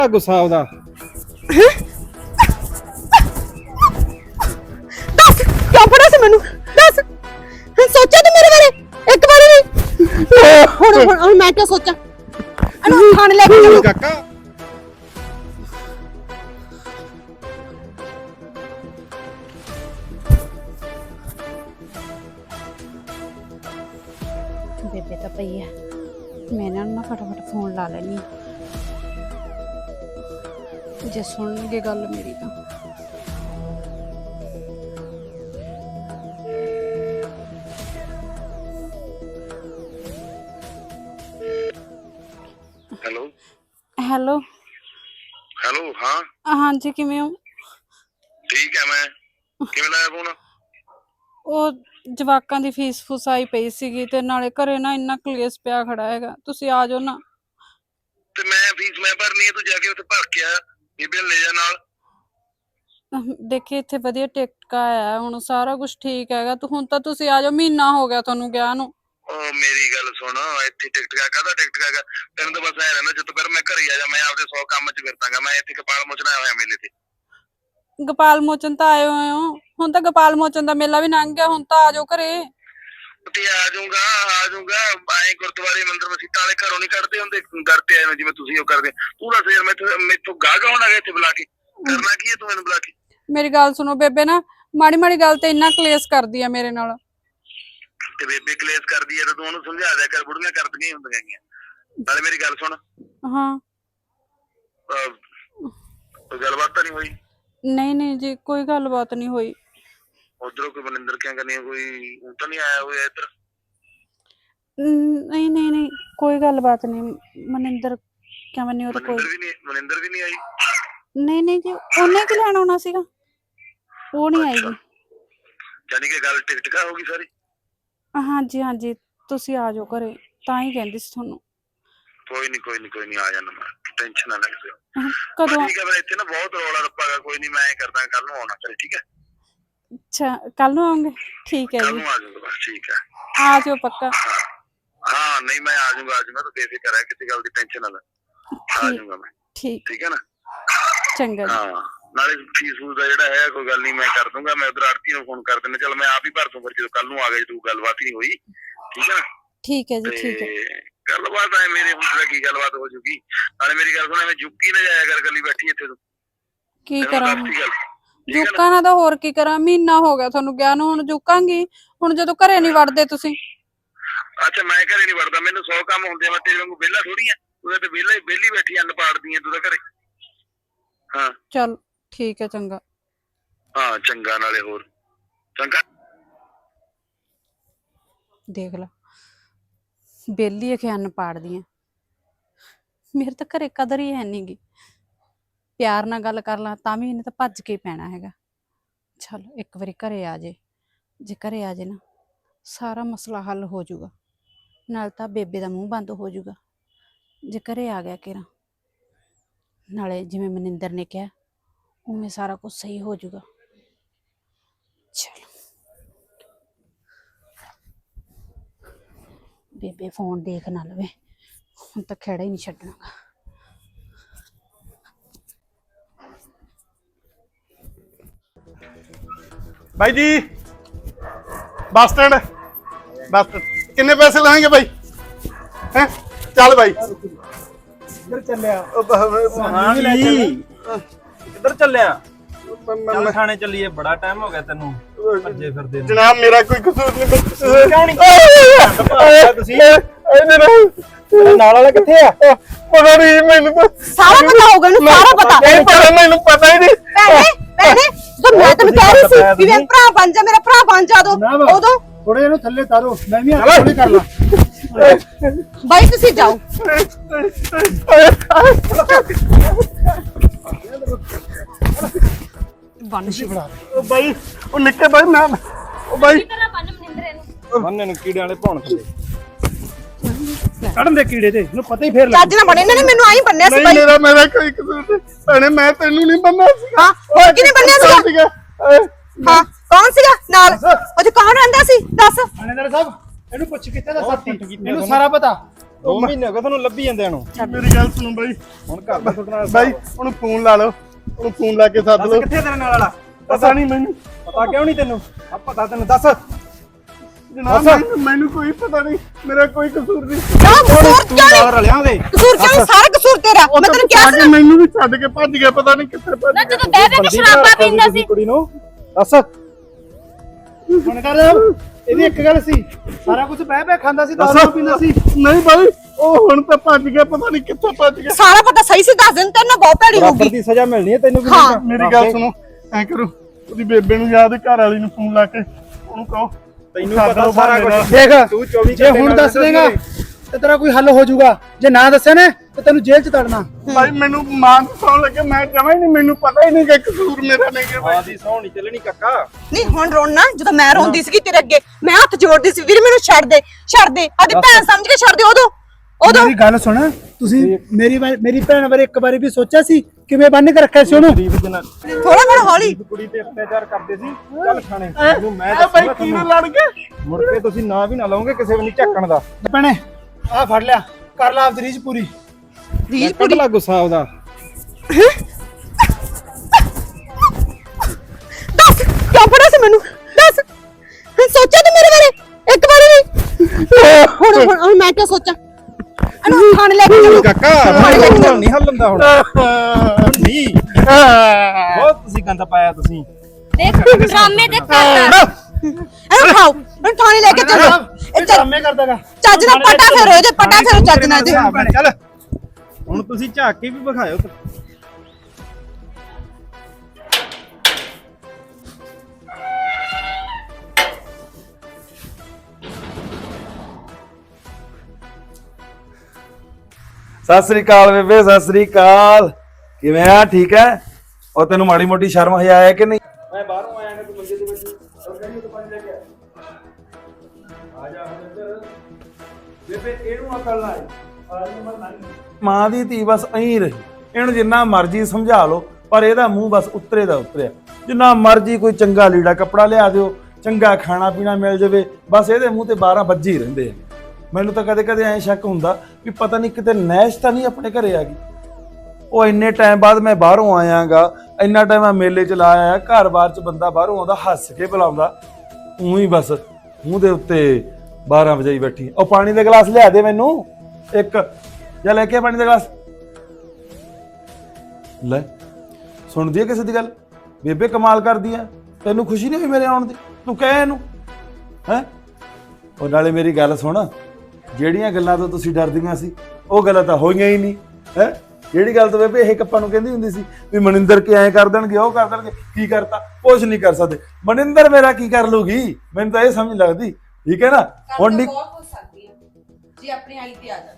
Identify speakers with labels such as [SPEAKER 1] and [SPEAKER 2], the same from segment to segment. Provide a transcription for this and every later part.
[SPEAKER 1] ਗੁੱਸਾ ਉਹਦਾ
[SPEAKER 2] ਦੱਸ ਕਿਉਂ ਫੜਿਆ ਸੀ ਮੈਨੂੰ ਦੱਸ ਸੋਚਿਆ ਤੂੰ ਮੇਰੇ ਬਾਰੇ ਇੱਕ ਵਾਰੀ ਨਹੀਂ ਹੁਣ ਮੈਂ ਕਿਆ ਸੋਚਾਂ ਇਹਨੂੰ ਥਾਣੇ ਲੈ ਕੇ ਚਲੋ
[SPEAKER 1] ਕਾਕਾ
[SPEAKER 2] ਬੇਬੇ ਤਾਂ ਪਈ ਹੈ ਮੈਂ ਇਹਨਾਂ ਨੂੰ ਨਾ ਫਟਾਫਟ ਫੋਨ ਲਾ ਲੈਣੀ ਜੇ ਸੁਣਨਗੇ ਗੱਲ ਮੇਰੀ ਤਾਂ
[SPEAKER 3] ਹੈਲੋ
[SPEAKER 2] ਹੈਲੋ
[SPEAKER 3] ਹੈਲੋ ਹਾਂ
[SPEAKER 2] ਹਾਂਜੀ ਕਿਵੇਂ ਹੋ
[SPEAKER 3] ਠੀਕ ਹੈ ਮੈਂ ਕਿਵੇਂ ਲਾਇਆ ਫੋਨ
[SPEAKER 2] ਉਹ ਜਵਾਕਾਂ ਦੀ ਫੀਸ ਫੁਸਾਈ ਪਈ ਸੀਗੀ ਤੇ ਨਾਲੇ ਘਰੇ ਨਾ ਇੰਨਾ ਕਲੇਸ਼ ਪਿਆ ਖੜਾ ਹੈਗਾ ਤੁਸੀਂ ਆ ਜਾਓ ਨਾ
[SPEAKER 3] ਤੇ ਮੈਂ ਫੀਸ ਮੈਂ ਭਰਨੀ ਹੈ ਤੂੰ ਜਾ ਕੇ ਉੱਥੇ ਭਰ ਕੇ ਆ ਬੀਬੀ ਲੈ ਜਾ ਨਾਲ
[SPEAKER 2] ਦੇਖੀ ਇੱਥੇ ਵਧੀਆ ਟਿਕਟਕਾ ਆਇਆ ਹੁਣ ਸਾਰਾ ਕੁਝ ਠੀਕ ਹੈਗਾ ਤੂੰ ਹੁਣ ਤਾਂ ਤੁਸੀਂ ਆ ਜਾਓ ਮਹੀਨਾ ਹੋ ਗਿਆ ਤੁਹਾਨੂੰ ਗਿਆ ਨੂੰ
[SPEAKER 3] ਉਹ ਮੇਰੀ ਗੱਲ ਸੁਣ ਇੱਥੇ ਟਿਕਟ ਕਾਹਦਾ ਟਿਕਟ ਕਾਗਾ ਤੈਨੂੰ ਤਾਂ ਬਸ ਐ ਰਹਿੰਦਾ ਜਦੋਂ ਪਰ ਮੈਂ ਘਰੇ ਆ ਜਾ ਮੈਂ ਆਪਦੇ 100 ਕੰਮ 'ਚ ਫਿਰਦਾਂਗਾ ਮੈਂ ਇੱਥੇ ਕਪਾਲ ਮੁਚਣਾ ਹੋਇਆ ਮੇਲੇ ਤੇ
[SPEAKER 2] ਗੋਪਾਲ ਮੋਚਨ ਤਾਂ ਆਏ ਹੋਏ ਹੋ ਹੁਣ ਤਾਂ ਗੋਪਾਲ ਮੋਚਨ ਦਾ ਮੇਲਾ ਵੀ ਲੰਘ ਗਿਆ ਹੁਣ ਤਾਂ ਆ ਜਾਓ ਘਰੇ
[SPEAKER 3] ਤੇ ਆ ਜਾਊਂਗਾ ਆਏ ਗੁਰਦੁਆਰੇ ਮੰਦਿਰ ਮਸੀਤਾਂ ਵਾਲੇ ਘਰੋਂ ਨਹੀਂ ਕੱਢਦੇ ਹੁੰਦੇ ਦਰ ਤੇ ਆਏ ਨੂੰ ਜਿਵੇਂ ਤੁਸੀਂ ਉਹ ਕਰਦੇ ਤੂੰ ਦੱਸ ਯਾਰ ਮੈਥੋਂ ਗਾਹ ਹੋਣਾ ਗਿਆ ਇੱਥੇ ਬੁਲਾ ਕੇ ਕਰਨਾ ਕੀ ਹੈ ਤੂੰ ਮੈਨੂੰ ਬੁਲਾ ਕੇ
[SPEAKER 2] ਮੇਰੀ ਗੱਲ ਸੁਣੋ ਬੇਬੇ ਨਾ ਮਾੜੀ ਮਾੜੀ ਗੱਲ ਤੇ ਇੰਨਾ ਕਲੇਸ਼ ਕਰਦੀ ਆ ਮੇਰੇ ਨਾਲ
[SPEAKER 3] ਤੇ ਬੇਬੇ ਕਲੇਸ਼ ਕਰਦੀ ਹੈ ਤਾਂ ਤੂੰ ਉਹਨੂੰ ਸਮਝਾ ਦਿਆ ਕਰ ਬੁੜੀਆਂ ਕਰਦੀਆਂ ਹੀ ਹੁੰਦੀਆਂ ਹੈਗੀਆਂ ਨਾਲੇ ਮੇਰੀ ਗੱਲ ਸੁਣ
[SPEAKER 2] ਹਾਂ
[SPEAKER 3] ਕੋਈ ਗੱਲਬਾਤ ਤਾਂ ਨਹੀਂ ਹੋਈ
[SPEAKER 2] ਨਹੀਂ ਜੀ ਕੋਈ ਗੱਲਬਾਤ ਨਹੀਂ ਹੋਈ
[SPEAKER 3] ਉਧਰੋਂ ਕੋਈ ਮਨਿੰਦਰ ਕਿਆ ਕਰਨੀ ਕੋਈ ਉਹ ਤਾਂ ਨਹੀਂ ਆਇਆ ਹੋਇਆ ਇੱਧਰ
[SPEAKER 2] ਨਹੀਂ ਕੋਈ ਗੱਲਬਾਤ ਨਹੀਂ ਮਨਿੰਦਰ ਕਿਵੇਂ ਨਹੀਂ ਉਹ ਤਾਂ ਕੋਈ
[SPEAKER 3] ਮਨਿੰਦਰ ਵੀ ਨਹੀਂ ਆਈ
[SPEAKER 2] ਨਹੀਂ ਜੀ ਉਹਨੇ ਕੀ ਲੈਣ ਆਉਣਾ ਸੀਗਾ ਉਹ ਨਹੀਂ ਆਏਗੀ
[SPEAKER 3] ਯਾਨੀ ਕਿ ਗੱਲ ਟਿਕਟਕਾ ਹੋ ਗਈ ਸਾਰੀ
[SPEAKER 2] ਹਾਂਜੀ ਤੁਸੀਂ ਆ ਜਾਓ ਘਰੇ ਤਾਂ ਹੀ ਕਹਿੰਦੀ ਸੀ ਤੁਹਾਨੂੰ
[SPEAKER 3] ਕੋਈ ਨਹੀਂ ਆ ਜਾਣਾ ਮੈਂ ਟੈਨਸ਼ਨ ਨਾ ਲੈ
[SPEAKER 2] ਕਦੋਂ
[SPEAKER 3] ਠੀਕ ਹੈ ਫਿਰ ਇੱਥੇ ਨਾ ਬਹੁਤ ਰੌਲਾ ਰੱਪਾਗਾ ਕੋਈ ਨਹੀਂ ਮੈਂ ਕਰਦਾ ਕੱਲ ਨੂੰ ਆਉਣਾ ਚਲ ਠੀਕ ਹੈ
[SPEAKER 2] ਅੱਛਾ ਕੱਲ ਨੂੰ ਆਉਂਗੇ ਠੀਕ ਹੈ
[SPEAKER 3] ਕੱਲ
[SPEAKER 2] ਜੀ
[SPEAKER 3] ਨੂੰ ਆ ਜਾਊਂਗਾ ਬਸ ਠੀਕ ਹੈ
[SPEAKER 2] ਆ ਜਾਓ ਪੱਕਾ
[SPEAKER 3] ਹਾਂ ਨਹੀਂ ਮੈਂ ਆ ਜਾਊਂਗਾ ਤੂੰ ਬੇਫਿਕਰ ਹੈ ਕਿਸੇ ਗੱਲ ਦੀ ਟੈਨਸ਼ਨ ਨਾ ਲੈ ਆ ਜਾਊਂਗਾ ਮੈਂ ਠੀਕ ਹੈ ਨਾ
[SPEAKER 2] ਚੰਗਾ ਜੀ
[SPEAKER 3] ਹਾਂ ਨਾਲੇ ਫੀਸ ਦਾ ਜਿਹੜਾ ਹੈ ਕੋਈ ਗੱਲ ਨਹੀਂ ਮੈਂ ਕਰ ਦੂੰਗਾ ਮੈਂ ਉਧਰ ਆਰਤੀ ਨੂੰ ਫੋਨ ਕਰ ਦਿੰਦਾ ਚਲ ਮੈਂ ਆਪ ਹੀ ਭਰ ਦੂੰ ਫਿਰ ਜਦੋਂ ਕੱਲ ਨੂੰ ਆ ਗਏ ਤੂੰ ਗੱਲਬਾਤ ਨਹੀਂ ਹੋਈ ਠੀਕ ਹੈ ਨਾ
[SPEAKER 2] ਠੀਕ ਹੈ ਜੀ ਠੀਕ ਹੈ
[SPEAKER 3] ਗੱਲਬਾਤ ਐ ਮੇਰੇ ਹੁਣ ਤਾਂ ਕੀ ਗੱਲਬਾਤ ਹੋ ਜੂਗੀ ਨਾਲੇ ਮੇਰੀ ਗੱਲ ਸੁਣ ਮੈਂ ਜੁੱਕੀ ਨਾ ਜਾਇਆ ਕਰ ਗੱਲੀ ਬੈਠੀ ਇੱਥੇ ਤੂੰ
[SPEAKER 2] ਕੀ ਕਰਾਂ ਜੁੱਕਾਂ ਨਾਲ ਤਾਂ ਹੋਰ ਕੀ ਕਰਾਂ ਮਹੀਨਾ ਹੋ ਗਿਆ ਤੁਹਾਨੂੰ ਗਿਆ ਨੂੰ ਹੁਣ ਜੁੱਕਾਂਗੀ ਹੁਣ ਜਦੋਂ ਘਰੇ ਨਹੀਂ ਵੜਦੇ ਤੁਸੀਂ
[SPEAKER 3] ਅੱਛਾ ਮੈਂ ਘਰੇ ਨਹੀਂ ਵੜਦਾ ਮੈਨੂੰ 100 ਕੰਮ ਹੁੰਦੇ ਆ ਮੈਂ ਤੇਰੇ ਵਾਂਗੂ ਵਿਹਲਾ ਥੋੜੀ ਆ ਤੂੰ ਤਾਂ ਵਿਹਲੀ ਬੈਠੀ ਅੰਨ ਪਾੜਦੀ ਆ ਤੂੰ ਤਾਂ ਘਰੇ ਹਾਂ
[SPEAKER 2] ਚੱਲ ਠੀਕ ਹੈ ਚੰਗਾ
[SPEAKER 3] ਹਾਂ ਚੰਗਾ ਨਾਲੇ ਹੋਰ ਚੰਗਾ
[SPEAKER 2] ਦੇਖ ਲਾ ਬੇਲੀ ਅਖਿਆਨ ਪਾੜਦੀਆਂ ਮੇਰੇ ਤਾਂ ਘਰੇ ਕਦਰ ਹੀ ਹੈ ਨੀ ਗੀ ਪਿਆਰ ਨਾਲ ਗੱਲ ਕਰ ਲਾਂ ਤਾਂ ਵੀ ਇਹਨੇ ਤਾਂ ਭੱਜ ਕੇ ਪੈਣਾ ਹੈਗਾ ਚਲ ਇੱਕ ਵਾਰੀ ਘਰੇ ਆ ਜੇ ਘਰੇ ਆ ਜੇ ਨਾ ਸਾਰਾ ਮਸਲਾ ਹੱਲ ਹੋ ਜਾਊਗਾ ਨਾਲ ਤਾਂ ਬੇਬੇ ਦਾ ਮੂੰਹ ਬੰਦ ਹੋ ਜਾਊਗਾ ਜੇ ਘਰੇ ਆ ਗਿਆ ਕਿਰਾ ਨਾਲੇ ਜਿਵੇਂ ਮਨਿੰਦਰ ਨੇ ਕਿਹਾ ਉਵੇਂ ਸਾਰਾ ਕੁਝ ਸਹੀ ਹੋ ਜਾਊਗਾ ਚਲ ਬੇਬੇ ਫੋਨ ਦੇਖ ਨਾ ਲਵੇ ਹੁਣ ਤਾਂ ਖੇੜਾ ਹੀ ਨਹੀਂ ਛੱਡਣਾਗਾ
[SPEAKER 1] ਬਾਈ ਜੀ ਬੱਸ ਸਟੈਂਡ ਕਿੰਨੇ ਪੈਸੇ ਲਾਏਂਗੇ ਬਾਈ ਹੈ ਚੱਲ ਬਾਈ
[SPEAKER 4] ਕਿੱਧਰ ਚੱਲਿਆ ਕਿੱਧਰ ਚੱਲਿਆ ਚੱਲ ਥਾਣੇ ਚੱਲੀਏ ਬੜਾ ਟਾਈਮ ਹੋ ਗਿਆ ਤੈਨੂੰ ਭੱਜੇ ਫਿਰਦੇ
[SPEAKER 1] ਜਨਾਬ ਮੇਰਾ ਕੋਈ ਕਸੂਰ ਨਹੀਂ
[SPEAKER 4] ਕਿਉਂ ਨਹੀਂ ਤੁਸੀਂ ਨਾਲ ਵਾਲਾ ਕਿੱਥੇ ਆ
[SPEAKER 1] ਪਤਾ ਨਹੀਂ ਮੈਨੂੰ ਤਾਂ
[SPEAKER 2] ਸਾਰਾ ਪਤਾ ਹੋਊਗਾ ਇਹਨੂੰ ਸਾਰਾ ਪਤਾ
[SPEAKER 1] ਮੈਨੂੰ ਪਤਾ ਹੀ ਨਹੀਂ
[SPEAKER 2] ਭੈਣੇ ਜਦੋਂ ਮੈਂ ਤੈਨੂੰ ਕਹਿ ਰਹੀ ਸੀ ਵੀ ਮੇਰਾ ਭਰਾ ਬਣ ਜਾ ਮੇਰਾ ਭਰਾ ਬਣ ਜਾ ਉਦੋਂ
[SPEAKER 4] ਥੋੜੇ ਇਹਨੂੰ ਥੱਲੇ ਤਾਰੋ ਮੈਂ ਵੀ ਹੌਲੀ ਕਰ ਲਾਂ
[SPEAKER 2] ਬਾਈ ਤੁਸੀਂ ਜਾਓ ਬੰਨਸ਼ੀ
[SPEAKER 4] ਫੜਾ
[SPEAKER 1] ਉਹ ਬਾਈ ਉਹ ਨਿੱਕੇ ਬਾਈ ਮੈਂ ਉਹ ਬਾਈ
[SPEAKER 4] ਬੰਨੇ ਨੂੰ ਕੀੜਿਆਂ ਵਾਲੇ ਭੌਣ ਥੱਲੇ ਕੱਢਣ ਦੇ ਕੀੜੇ ਤੇ ਇਹਨੂੰ ਪਤਾ ਹੀ ਫੇਰ ਲੱਗ
[SPEAKER 2] ਚੱਜ ਨਾ ਬਣੇ ਇਹਨਾਂ ਨੇ ਮੈਨੂੰ ਆਈ ਬੰਨਿਆ ਸੀ ਬਾਈ
[SPEAKER 1] ਮੇਰਾ ਕੋਈ ਕਸੂਰ ਨਹੀਂ ਭੈਣੇ ਮੈਂ ਤੈਨੂੰ ਨਹੀਂ ਬੰਨਿਆ ਸੀ
[SPEAKER 2] ਹਾਂ ਕਿਹਨੇ ਬੰਨਿਆ ਸੀਗਾ ਹਾਂ ਕੌਣ ਸੀਗਾ ਨਾਲ ਉਹ ਕੌਣ ਰਹਿੰਦਾ ਸੀ ਦੱਸ
[SPEAKER 4] ਥਾਣੇਦਾਰ ਸਾਹਿਬ ਇਹਨੂੰ ਪੁੱਛ ਕਿੱਥੇ ਦਾ ਸਾਥੀ ਇਹਨੂੰ ਸਾਰਾ ਪਤਾ 2 ਮਹੀਨੇ ਹੋ ਗਏ ਤੁਹਾਨੂੰ ਲੱਭੀ ਜਾਂਦਿਆਂ ਨੂੰ।
[SPEAKER 1] ਮੇਰੀ ਗੱਲ ਸੁਣੋ ਬਾਈ,
[SPEAKER 4] ਹੁਣ ਘਰ ਦਾ ਸੁਣਨਾ
[SPEAKER 1] ਬਾਈ ਉਹਨੂੰ ਫੋਨ ਲਾ ਲਓ, ਉਹਨੂੰ ਫੋਨ ਲਾ ਕੇ ਸੱਦ
[SPEAKER 4] ਦੱਸ
[SPEAKER 1] ਲਓ।
[SPEAKER 4] ਕਿੱਥੇ ਤੇਰੇ ਨਾਲ ਵਾਲਾ?
[SPEAKER 1] ਪਤਾ ਨਹੀਂ ਮੈਨੂੰ
[SPEAKER 4] ਪਤਾ ਕਿਉਂ ਨਹੀਂ ਤੈਨੂੰ? ਆ ਪਤਾ ਤੈਨੂੰ ਦੱਸ।
[SPEAKER 1] ਜਨਾਬ,
[SPEAKER 4] ਦੱਸ।
[SPEAKER 1] ਮੈਨੂੰ ਕੋਈ ਪਤਾ ਨਹੀਂ, ਮੇਰਾ ਕੋਈ ਕਸੂਰ ਨਹੀਂ।
[SPEAKER 4] ਤੂੰ ਨਾਲ ਰਲਿਆ ਉਹਦੇ।
[SPEAKER 5] ਕਸੂਰ ਕਿਉਂ? ਸਾਰਾ ਕਸੂਰ ਤੇਰਾ। ਮੈਂ ਤੈਨੂੰ ਕਿਹਾ ਸੀ
[SPEAKER 1] ਮੈਨੂੰ ਵੀ ਛੱਡ ਕੇ ਭੱਜ ਗਿਆ, ਪਤਾ ਨਹੀਂ ਕਿੱਥੇ ਭੱਜ
[SPEAKER 5] ਨਾ,
[SPEAKER 1] ਗਿਆ।
[SPEAKER 5] ਜਦੋਂ ਬਹਿ ਬਹਿ ਕੇ ਸ਼ਰਾਬਾਂ ਪੀਂਦਾ ਸੀ।
[SPEAKER 4] ਕੁੜੀ ਨੂੰ ਦੱਸ।
[SPEAKER 6] ਹੁਣ ਕਰ ਇਹਦੀ ਇੱਕ ਗੱਲ ਸੀ, ਸਾਰਾ ਕੁਝ ਬਹਿ ਬਹਿ ਖਾਂਦਾ ਸੀ,
[SPEAKER 1] ਦੱਸ।
[SPEAKER 6] ਦਾਰੂ ਪੀਂਦਾ ਸੀ।
[SPEAKER 1] ਨਹੀਂ ਬਾਈ, ਉਹ ਹੁਣ ਤਾਂ ਭੱਜ ਗਿਆ, ਪਤਾ ਨਹੀਂ ਕਿੱਥੇ ਭੱਜ ਗਿਆ।
[SPEAKER 5] ਸਾਰਾ ਪਤਾ ਸਹੀ ਸੀ ਦੱਸ ਦਿਨ ਤੈਨੂੰ ਬਹੁਤ ਭੈੜੀ
[SPEAKER 4] ਬਰਾਬਰ
[SPEAKER 5] ਹੋਊਗੀ।
[SPEAKER 4] ਦੀ ਸਜ਼ਾ ਮਿਲਣੀ ਹੈ ਤੈਨੂੰ ਵੀ।
[SPEAKER 5] ਹਾਂ।
[SPEAKER 1] ਮੇਰੀ ਗੱਲ ਸੁਣੋ, ਐ ਕਰੋ, ਉਹਦੀ ਬੇਬੇ ਨੂੰ ਜਾਂ ਉਹਦੇ ਘਰ ਵਾਲੀ ਨੂੰ ਫੋਨ ਲਾ ਕੇ ਉਹਨੂੰ ਕਹੋ
[SPEAKER 4] ਤੈਨੂੰ
[SPEAKER 1] ਸੱਦ
[SPEAKER 4] ਪਤਾ
[SPEAKER 1] ਲਓ
[SPEAKER 4] ਸਾਰਾ
[SPEAKER 1] ਬਹਾਨੇ ਨਾਲ।
[SPEAKER 4] ਕੁਝ।
[SPEAKER 6] ਦੇਖ
[SPEAKER 4] ਤੂੰ 24
[SPEAKER 6] ਜੇ ਹੁਣ ਦੱਸ ਦੇਗਾ ਤੇ ਤੇਰਾ ਕੋਈ ਹੱਲ ਹੋ ਜਾਊਗਾ, ਜੇ ਨਾ ਦੱਸਿਆ ਨਾ ਤੇ ਤੈਨੂੰ ਜੇਲ੍ਹ ਚ ਤੜਨਾ।
[SPEAKER 1] ਬਾਈ ਮੈਨੂੰ ਮਾਂ ਨੂੰ ਸੌਣ ਲੱਗੇ, ਮੈਂ ਜਮਾਂ ਹੀ ਨਹੀਂ, ਮੈਨੂੰ ਪਤਾ ਹੀ ਨਹੀਂ ਕਿ ਕਸੂਰ ਮੇਰਾ ਨਹੀਂ ਗਿਆ ਬਾਈ।
[SPEAKER 4] ਮਾਂ ਦੀ ਸਹੁੰ ਨਹੀਂ ਚੱਲਣੀ ਕਾਕਾ।
[SPEAKER 5] ਨਹੀਂ ਹੁਣ ਰੋਣਾ, ਜਦੋਂ ਮੈਂ ਰੋਂਦੀ ਸੀਗੀ ਤੇਰੇ ਅੱਗੇ, ਮੈਂ ਹੱਥ ਜੋੜਦੀ ਸੀ, ਵੀਰ ਮੈਨੂੰ ਛੱਡ ਦੇ ਛੱਡ ਦੇ, ਆਦੀ ਭੈਣ ਸਮਝ ਕੇ ਛੱਡ ਦੇ। ਉਦੋਂ
[SPEAKER 6] ਮੇਰੀ ਗੱਲ ਸੁਣ, ਤੁਸੀਂ ਮੇਰੀ ਭੈਣ ਬਾਰੇ ਇੱਕ ਵਾਰੀ ਵੀ ਸੋਚਿਆ ਸੀ ਕਿਵੇਂ ਬੰਨ ਕੇ ਰੱਖਿਆ ਸੀ ਉਹਨੂੰ?
[SPEAKER 4] ਗਰੀਬ ਜਨਾ
[SPEAKER 5] ਥੋੜਾ ਬੜਾ ਹੌਲੀ।
[SPEAKER 4] ਕੁੜੀ ਤੇ ਅਤਿਆਚਾਰ ਕਰਦੇ ਸੀ। ਚੱਲ ਖਾਣੇ ਤੈਨੂੰ ਮੈਂ
[SPEAKER 1] ਐ ਬਾਈ
[SPEAKER 4] ਦੱਸੂਗਾ
[SPEAKER 1] ਕਿਹਨੂੰ
[SPEAKER 4] ਤੈਨੂੰ।
[SPEAKER 1] ਲੜ ਗਏ?
[SPEAKER 4] ਮੁੜ ਕੇ ਤੁਸੀਂ ਨਾ ਵੀ ਨਾ ਲਾਉਂਗੇ ਕਿਸੇ ਵੀ ਨਹੀਂ ਝੱਕਣ ਦਾ।
[SPEAKER 6] ਭੈਣੇ ਆਹ ਫੜ ਲਿਆ, ਕਰ ਲਾ ਆਪਦੀ ਰੀਝ ਪੂਰੀ।
[SPEAKER 5] ਰੀਝ
[SPEAKER 4] ਕੱਢ ਲਾ ਗੁੱਸਾ ਉਹਦਾ।
[SPEAKER 5] ਦੱਸ ਕਿਉਂ ਫੜਿਆ ਸੀ ਮੈਨੂੰ? ਦੱਸ ਸੋਚਿਆ ਤੂੰ ਮੇਰੇ ਬਾਰੇ ਇੱਕ ਵਾਰੀ ਨਹੀਂ? ਹੁਣ ਮੈਂ ਕਿਆ ਸੋਚਾਂ? ਇਹਨੂੰ ਖਾਣ ਲੈ ਕੇ ਚੱਲੋ।
[SPEAKER 4] ਕਾਕਾ ਹੁਣ ਨਹੀਂ ਹੱਲ ਹੁੰਦਾ ਹੁਣ ਨਹੀਂ। ਬਹੁਤ ਤੁਸੀਂ ਗੰਦ ਪਾਇਆ ਤੁਸੀਂ।
[SPEAKER 5] ਦੇਖ ਡਰਾਮੇ ਤੇ ਕਰਦਾ। ਇਹਨੂੰ ਖਾਓ, ਇਹਨੂੰ ਥਾਣੇ ਲੈ ਕੇ ਚੱਲੋ।
[SPEAKER 6] ਇਹ ਡਰਾਮੇ ਕਰਦਾਗਾ।
[SPEAKER 5] ਚੱਜ ਨਾਲ ਪਟਾ ਫੇਰੋ ਇਹਦੇ, ਪਟਾ ਫੇਰੋ ਚੱਜ ਨਾਲ ਇਹਦੇ।
[SPEAKER 4] ਚੱਲ ਹੁਣ ਤੁਸੀਂ ਝਾਕ ਕੇ ਵੀ ਵਿਖਾਇਓ।
[SPEAKER 7] ਸਤਿ ਸ੍ਰੀ ਅਕਾਲ ਬੇਬੇ, ਸਤਿ ਸ੍ਰੀ ਅਕਾਲ। ਕਿਵੇਂ ਆ? ਠੀਕ ਹੈ? ਉਹ ਤੈਨੂੰ ਮਾੜੀ ਮੋਟੀ ਸ਼ਰਮ ਹਜਾ ਆਇਆ ਕਿ ਨਹੀਂ?
[SPEAKER 4] ਮੈਂ ਬਾਹਰੋਂ ਆਇਆ ਨੇ ਤੂੰ ਮੰਜੇ ਤੇ ਬੈਠੀ ਔਰ ਕਹਿੰਦੀ ਉਹ ਪੰਜ ਲੈ ਕੇ ਆ ਜਾ ਹੁਣ ਇੱਧਰ। ਬੇਬੇ ਇਹਨੂੰ ਅਕਲ ਨਾ ਆਈ। ਆ ਨੰਬਰ ਨਹੀਂ।
[SPEAKER 7] ਮਾਂ ਦੀ ਧੀ ਬਸ ਐਂ ਰਹੀ, ਇਹਨੂੰ ਜਿੰਨਾ ਮਰਜ਼ੀ ਸਮਝਾ ਲਓ ਪਰ ਇਹਦਾ ਮੂੰਹ ਬਸ ਉਤਰੇ ਦਾ ਉਤਰਿਆ। ਜਿੰਨਾ ਮਰਜ਼ੀ ਕੋਈ ਚੰਗਾ ਲੀੜਾ ਕੱਪੜਾ ਲਿਆ ਦਿਓ, ਚੰਗਾ ਖਾਣਾ ਪੀਣਾ ਮਿਲ ਜਾਵੇ, ਬਸ ਇਹਦੇ ਮੂੰਹ ਤੇ 12 ਵੱਜੇ ਹੀ ਰਹਿੰਦੇ ਆ। ਮੈਨੂੰ ਤਾਂ ਕਦੇ ਕਦੇ ਐਂ ਸ਼ੱਕ ਹੁੰਦਾ ਵੀ ਪਤਾ ਨਹੀਂ ਕਿਤੇ ਨੈਸ਼ ਤਾਂ ਨਹੀਂ ਆਪਣੇ ਘਰੇ ਆ ਗਈ। ਉਹ ਇੰਨੇ ਟਾਈਮ ਬਾਅਦ ਮੈਂ ਬਾਹਰੋਂ ਆਇਆਗਾ, ਇੰਨਾ ਟਾਈਮ ਮੈਂ ਮੇਲੇ ਚ ਲਾਇਆ, ਘਰ-ਬਾਰ ਚ ਬੰਦਾ ਬਾਹਰੋਂ ਆਉਂਦਾ ਹੱਸ ਕੇ ਬੁਲਾਉਂਦਾ, ਊਂ ਹੀ ਬਸ ਮੂੰਹ ਦੇ ਉੱਤੇ 12 ਵਜੇ ਹੀ ਬੈਠੀ। ਉਹ ਪਾਣੀ ਦਾ ਗਲਾਸ ਲਿਆ ਦੇ ਮੈਨੂੰ ਇੱਕ, ਜਾਂ ਲੈ ਕੇ ਆ ਪਾਣੀ ਦਾ ਗਲਾਸ। ਲੈ ਸੁਣਦੀ ਹੈ ਕਿਸੇ ਦੀ ਗੱਲ? ਬੇਬੇ ਕਮਾਲ ਕਰਦੀ ਆ। ਤੈਨੂੰ ਖੁਸ਼ੀ ਨਹੀਂ ਹੋਈ ਮੇਰੇ ਆਉਣ ਦੀ? ਤੂੰ ਕਹਿ ਇਹਨੂੰ ਹੈ। ਉਹ ਨਾਲੇ ਮੇਰੀ ਗੱਲ ਸੁਣ, ਜਿਹੜੀਆਂ ਗੱਲਾਂ ਤੋਂ ਤੁਸੀਂ ਡਰਦੀਆਂ ਸੀ ਉਹ ਗੱਲਾਂ ਤਾਂ ਹੋਈਆਂ ਹੀ ਨਹੀਂ ਹੈ। ਜਿਹੜੀ ਗੱਲ ਤੋਂ ਬੇਬੇ ਇਹ ਕੱਪਾਂ ਨੂੰ ਕਹਿੰਦੀ ਹੁੰਦੀ ਸੀ ਵੀ ਮਨਿੰਦਰ ਕੇ ਐਂ ਕਰ ਦੇਣਗੇ, ਉਹ ਕਰ ਦੇਣਗੇ, ਕੀ ਕਰਤਾ? ਕੁਝ ਨਹੀਂ ਕਰ ਸਕਦੇ। ਮਨਿੰਦਰ ਮੇਰਾ ਕੀ ਕਰ ਲੂਗੀ? ਮੈਨੂੰ ਤਾਂ ਇਹ ਸਮਝ ਲੱਗਦੀ। ਠੀਕ ਹੈ ਨਾ? ਹੁਣ ਨਹੀਂ
[SPEAKER 2] ਬਹੁਤ ਹੋ ਸਕਦੀ ਹੈ ਜੇ ਆਪਣੀ ਆਈ ਤੇ ਆ ਜਾ।